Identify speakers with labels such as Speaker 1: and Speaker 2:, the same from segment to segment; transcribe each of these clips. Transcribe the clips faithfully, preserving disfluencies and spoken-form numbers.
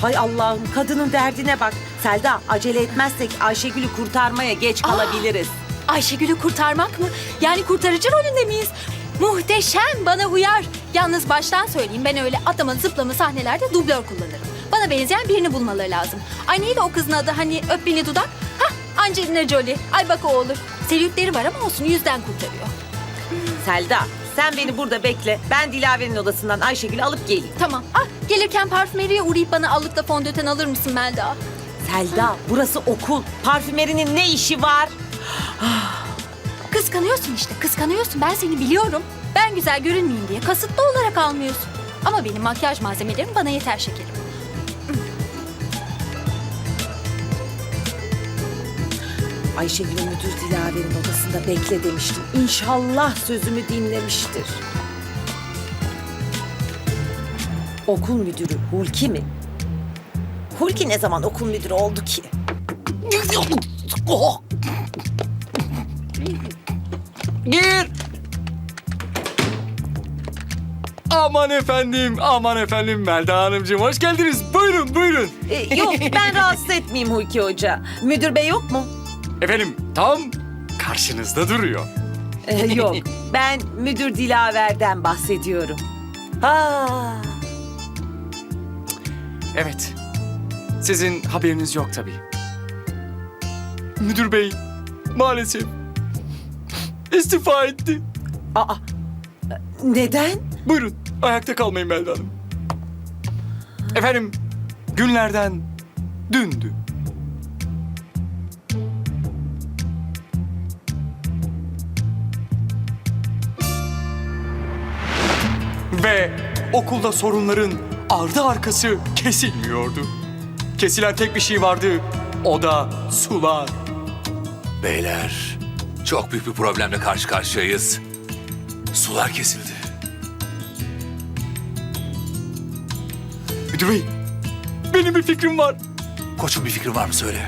Speaker 1: Hay Allah'ım, kadının derdine bak. Selda, acele etmezsek Ayşegül'ü kurtarmaya geç kalabiliriz.
Speaker 2: Ayşegül'ü kurtarmak mı? Yani kurtarıcı rolünde miyiz? Muhteşem, bana uyar. Yalnız baştan söyleyeyim, ben öyle atlama zıplama sahnelerde dublör kullanırım. Bana benzeyen birini bulmaları lazım. Ay neydi o kızın adı, hani öp beni dudak? Hah, Angelina Jolie. Ay bak o olur. Selülitleri var ama olsun, yüzden kurtarıyor.
Speaker 1: Selda, sen beni burada bekle. Ben Dilaver'in odasından Ayşegül'ü alıp geleyim.
Speaker 2: Tamam. Ah, gelirken parfümeriye uğrayıp bana allıkla fondöten alır mısın Melda?
Speaker 1: Selda, burası okul. Parfümerinin ne işi var?
Speaker 2: Kıskanıyorsun işte, kıskanıyorsun. Ben seni biliyorum. Ben güzel görünmeyeyim diye kasıtlı olarak almıyorsun. Ama benim makyaj malzemelerim bana yeter şekerim.
Speaker 1: Ayşegül'ün müdür Dilaver'in odasında bekle demiştim. İnşallah sözümü dinlemiştir. Okul müdürü Hulki mi? Hulki ne zaman okul müdürü oldu ki?
Speaker 3: Gir. Aman efendim, aman efendim Melda Hanımcığım hoş geldiniz. Buyurun, buyurun.
Speaker 1: Ee, yok, ben rahatsız etmeyeyim Hulki Hoca. Müdür bey yok mu?
Speaker 3: Efendim tam karşınızda duruyor.
Speaker 1: Ee, yok, ben müdür Dilaver'den bahsediyorum. Ha.
Speaker 3: Evet, sizin haberiniz yok tabii. Müdür bey maalesef istifa etti.
Speaker 1: Aa, neden?
Speaker 3: Buyurun, ayakta kalmayın Melda Hanım. Efendim, günlerden dündü. Ve okulda sorunların ardı arkası kesilmiyordu. Kesilen tek bir şey vardı, o da sular.
Speaker 4: Beyler, çok büyük bir problemle karşı karşıyayız. Sular kesildi.
Speaker 3: Müdür bey, benim bir fikrim var.
Speaker 4: Koçum bir fikrin var mı söyle.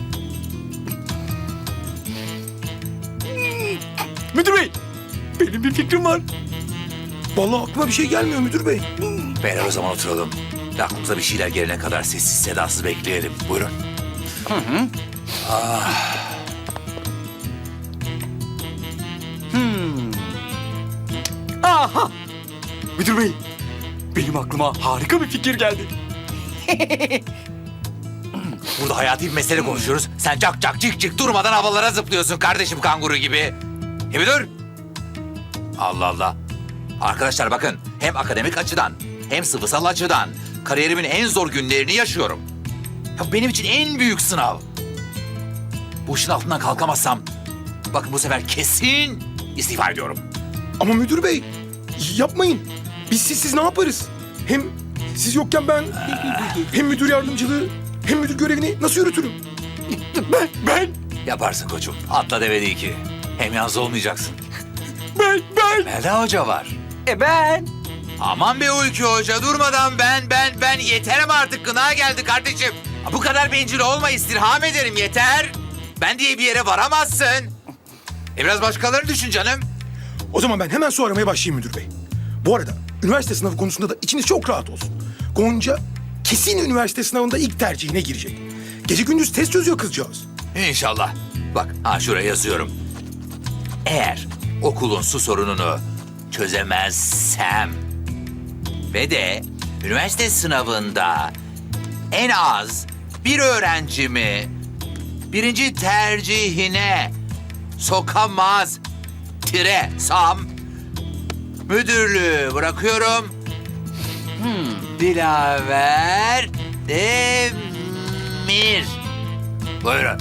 Speaker 3: Müdür bey, benim bir fikrim var.
Speaker 5: Vallahi aklıma bir şey gelmiyor müdür bey.
Speaker 4: Beyler o zaman oturalım. Aklımıza bir şeyler gelene kadar sessiz sedasız bekleyelim. Buyurun.
Speaker 3: Aha! Müdür bey, benim aklıma harika bir fikir geldi.
Speaker 4: Burada hayati bir mesele konuşuyoruz. Sen cak cak cik cik durmadan havalara zıplıyorsun kardeşim kanguru gibi. E bir dur. Allah Allah. Arkadaşlar bakın hem akademik açıdan hem sıvısal açıdan kariyerimin en zor günlerini yaşıyorum. Ya benim için en büyük sınav. Bu işin altından kalkamazsam bakın bu sefer kesin istifa ediyorum.
Speaker 5: Ama müdür bey yapmayın. Biz sizsiz ne yaparız? Hem siz yokken ben hem müdür yardımcılığı hem müdür görevini nasıl yürütürüm?
Speaker 3: Ben, ben,
Speaker 4: Yaparsın koçum. Atla deve değil ki. Hem yalnız olmayacaksın.
Speaker 3: ben, ben.
Speaker 4: Melda Hoca var.
Speaker 1: E ben?
Speaker 4: Aman be Uyku Hoca durmadan ben ben ben yeter ama artık gına geldi kardeşim. Bu kadar bencil olma istirham ederim yeter. Ben diye bir yere varamazsın. E biraz başkaları düşün canım.
Speaker 5: O zaman ben hemen su aramaya başlayayım müdür bey. Bu arada üniversite sınavı konusunda da içiniz çok rahat olsun. Gonca kesin üniversite sınavında ilk tercihine girecek. Gece gündüz test çözüyor kızcağız.
Speaker 4: İnşallah. Bak ha şuraya yazıyorum. Eğer okulun su sorununu çözemezsem ve de üniversite sınavında en az bir öğrencimi birinci tercihine sokamaz tire sam müdürlüğü bırakıyorum. Hmm, Dilaver Demir. Buyurun.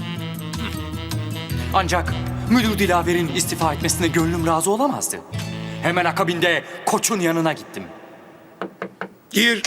Speaker 3: Ancak müdür Dilaver'in istifa etmesine gönlüm razı olamazdı. Hemen akabinde koçun yanına gittim.
Speaker 5: Gir.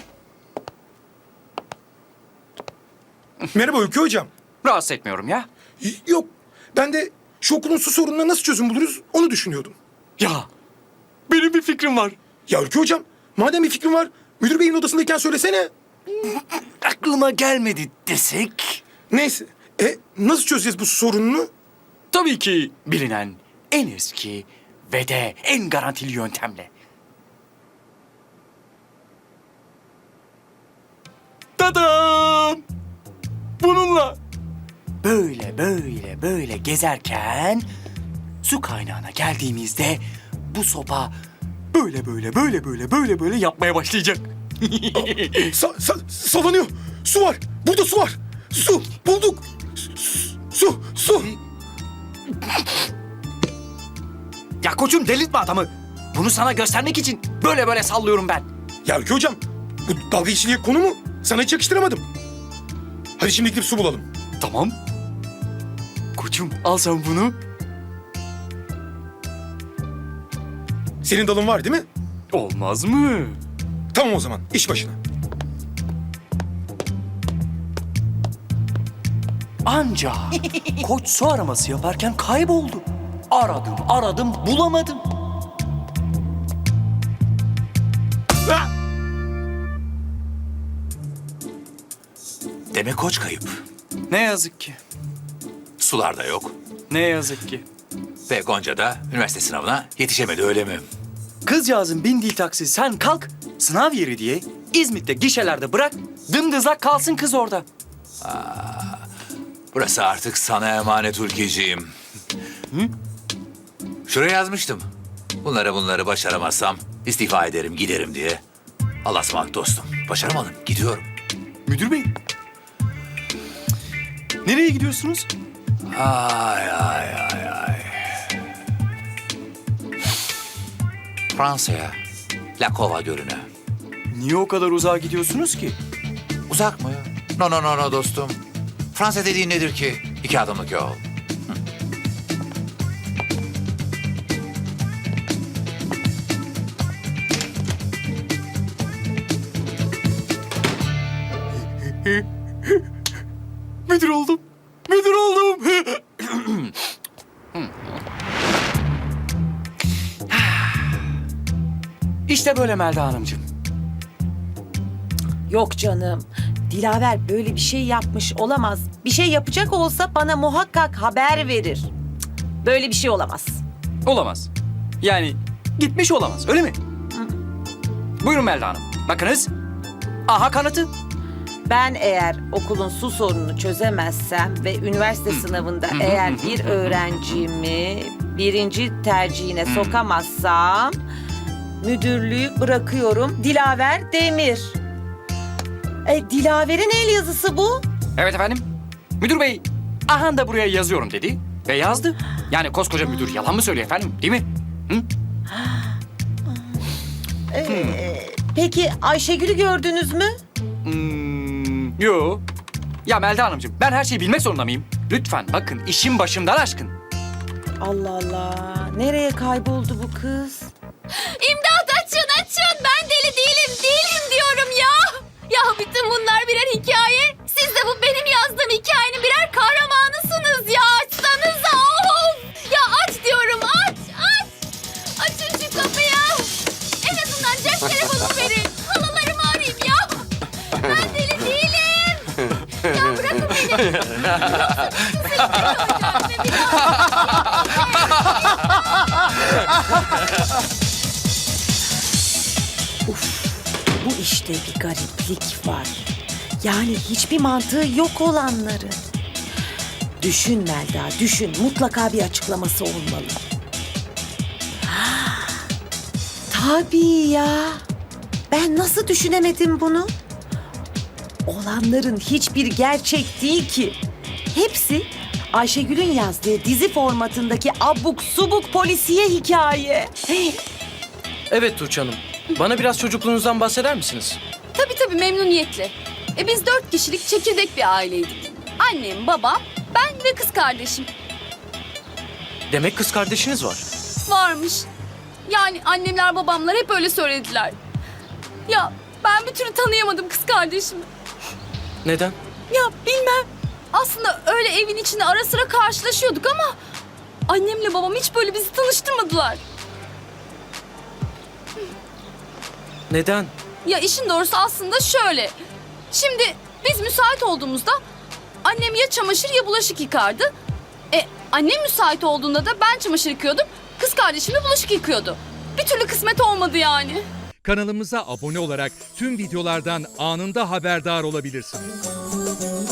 Speaker 5: Merhaba Ülke hocam.
Speaker 3: Rahatsız etmiyorum ya.
Speaker 5: Y- Yok ben de şu okulun su sorununa nasıl çözüm buluruz onu düşünüyordum.
Speaker 3: Ya, benim bir fikrim var.
Speaker 5: Ya Ülke hocam madem bir fikrin var müdür beyin odasındayken söylesene.
Speaker 3: Aklıma gelmedi desek.
Speaker 5: Neyse e, nasıl çözeceğiz bu su sorununu?
Speaker 3: Tabii ki bilinen en eski ve de en garantili yöntemle. Tadam! Bununla böyle böyle böyle gezerken su kaynağına geldiğimizde bu sopa böyle böyle böyle böyle böyle böyle yapmaya başlayacak.
Speaker 5: Sa sa- sallanıyor. Su var. Burada su var. Su. Bulduk. Su. Su. Su.
Speaker 3: Ya koçum delirtme adamı. Bunu sana göstermek için böyle böyle sallıyorum ben.
Speaker 5: Ya Ülke Hocam, bu dalga geçiliğe konu mu? Sana hiç yakıştıramadım. Hadi şimdi gidip su bulalım.
Speaker 3: Tamam. Koçum al sen bunu.
Speaker 5: Senin dalın var değil mi?
Speaker 3: Olmaz mı?
Speaker 5: Tamam o zaman. İş başına.
Speaker 3: Anca koç su araması yaparken kayboldu. Aradım aradım bulamadım.
Speaker 4: Demek koç kayıp.
Speaker 3: Ne yazık ki.
Speaker 4: Sularda yok.
Speaker 3: Ne yazık ki.
Speaker 4: Ve Gonca da üniversite sınavına yetişemedi öyle mi?
Speaker 3: Kızcağızın bindiği taksi sen kalk sınav yeri diye İzmit'te gişelerde bırak dımdızlak kalsın kız orada.
Speaker 4: Burası artık sana emanet Hulkiciğim. Şuraya yazmıştım. Bunları bunları başaramazsam istifa ederim giderim diye. Allah'a ısmarladık dostum. Başaramadım gidiyorum.
Speaker 3: Müdür bey. Nereye gidiyorsunuz?
Speaker 4: Ay ay ay ay. Fransa'ya. La Cova Gölü'ne.
Speaker 3: Niye o kadar uzağa gidiyorsunuz ki?
Speaker 4: Uzak mı? No no no no dostum. Fransa dediğin nedir ki? İki adımlık yol.
Speaker 3: Müdür oldum. Müdür oldum. İşte böyle Melda Hanımcığım.
Speaker 1: Yok canım. Dilaver böyle bir şey yapmış olamaz. Bir şey yapacak olsa bana muhakkak haber verir. Cık, böyle bir şey olamaz.
Speaker 3: Olamaz. Yani gitmiş olamaz öyle mi? Buyurun Melda Hanım. Bakınız. Aha kanıtı.
Speaker 1: Ben eğer okulun su sorununu çözemezsem ve üniversite sınavında eğer bir öğrencimi birinci tercihine sokamazsam müdürlüğü bırakıyorum. Dilaver Demir. E, Dilaver'in el yazısı bu.
Speaker 3: Evet efendim. Müdür bey aha da buraya yazıyorum dedi ve yazdı. Yani koskoca müdür yalan mı söylüyor efendim değil mi? Hı?
Speaker 1: E, peki Ayşegül'ü gördünüz mü?
Speaker 3: Hmm, yo. Ya Melda Hanımcığım ben her şeyi bilmek zorunda mıyım? Lütfen bakın işim başımdan aşkın.
Speaker 1: Allah Allah. Nereye kayboldu bu kız?
Speaker 2: İmdat açın açın. Ben deli değilim değilim diyorum ya. Ya bütün bunlar birer hikaye. Siz de bu benim yazdığım hikayenin birer kahramanısınız ya. Açsanıza of. Ya aç diyorum aç aç. Açın şu kapıyı. En azından cep telefonumu verin. Halalarımı arayayım ya. Ben deli değilim. Ya bırakın beni. Yoksa bütün seçimleri alacağım ve bir
Speaker 1: Uf, bu işte bir gariplik var. Yani hiçbir mantığı yok olanların. Düşün Melda, düşün. Mutlaka bir açıklaması olmalı. Ha, tabii ya. Ben nasıl düşünemedim bunu? Olanların hiçbir gerçek değil ki. Hepsi Ayşegül'ün yazdığı dizi formatındaki abuk subuk polisiye hikaye.
Speaker 6: Evet Tuğçe Hanım. Bana biraz çocukluğunuzdan bahseder misiniz?
Speaker 2: Tabii tabii memnuniyetle. E biz dört kişilik çekirdek bir aileydik. Annem, babam, ben ve kız kardeşim
Speaker 6: Demek kız kardeşiniz var.
Speaker 2: varmış. Yani annemler babamlar hep öyle söylediler. Ya ben bir türlü tanıyamadım kız kardeşimi.
Speaker 6: Neden?
Speaker 2: Ya bilmem. Aslında öyle evin içinde ara sıra karşılaşıyorduk ama annemle babam hiç böyle bizi tanıştırmadılar.
Speaker 6: Neden?
Speaker 2: Ya işin doğrusu aslında şöyle. Şimdi biz müsait olduğumuzda annem ya çamaşır ya bulaşık yıkardı. E annem müsait olduğunda da ben çamaşır yıkıyordum. Kız kardeşim de bulaşık yıkıyordu. Bir türlü kısmet olmadı yani.
Speaker 7: Kanalımıza abone olarak tüm videolardan anında haberdar olabilirsiniz.